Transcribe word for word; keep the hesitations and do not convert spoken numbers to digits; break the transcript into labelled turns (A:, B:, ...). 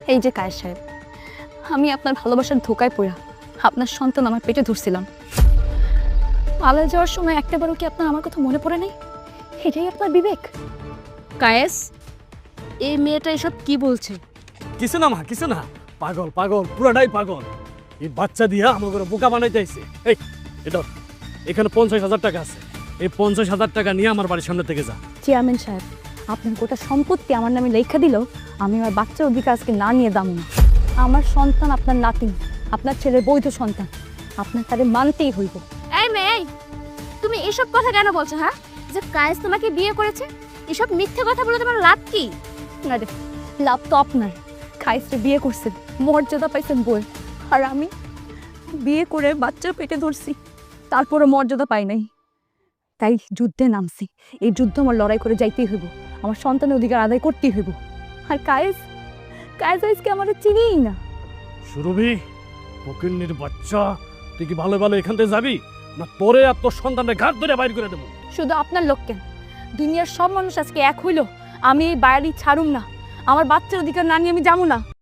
A: এই যে কায়েস সাহেব, আমি আপনার ভালোবাসার ধোকায় পড়া আপনার সন্তান আমার পেটে ধরছিলাম। পালায় যাওয়ার সময় একটাবারও কি আপনার আমার কথা মনে পড়ে নাই? এটাই আপনার বিবেক?
B: কায়েস, এই মেয়েটা এসব কি বলছে?
C: কিছু না মা, কিছু না। পাগল পাগল, পুরাটাই পাগল। এই বাচ্চা দিয়া আমাকে বোকা বানাইতে আইছে। এই এটা এখানে পঞ্চাশ হাজার টাকা আছে, এই পঞ্চাশ হাজার টাকা নিয়ে আমার বাড়ির সামনে থেকে যা।
A: চেয়ারম্যান সাহেব, আপনার গোটা সম্পত্তি আমার নামে লেখা দিলেও আমি আমার বাচ্চার অধিকার আজকে না নিয়ে দাম না। আমার সন্তান আপনার নাতি, আপনার ছেলের বৈধ সন্তান, আপনার তারে মানতেই হইব।
B: এই মেয়ে, তুমি এসব কথা কেন বলছো? হ্যাঁ, যে কায়েস তোমাকে বিয়ে করেছে, এসব মিথ্যে কথা বলে তোমার লাভ কি?
A: না রে, লাভ তো আপনার। খাইসরে বিয়ে করছেন, মর্যাদা পাইছেন বই, আর আমি বিয়ে করে বাচ্চার পেটে ধরছি, তারপরও মর্যাদা পাই নাই। তাই যুদ্ধে নামছি। এই যুদ্ধ আমার লড়াই করে যাইতেই হইব, আমার সন্তানের অধিকার আদায় করতেই হইব। আর কায়েস কায়েস আজকে আমার চিনিই না।
C: সুরভি, ফকিন্নির বাচ্চা, তুই কি ভালো ভালো এখান থেকে যাবি, না তোরে আর তোর সন্তানকে ঘাট ধরে বাইর করে দেবো?
A: শুধু আপনার লোক কেন, দুনিয়ার সব মানুষ আজকে এক হইল, আমি এই বাড়ি ছাড়ুম না। আমার বাচ্চার অধিকার না নিয়ে আমি যাবো না।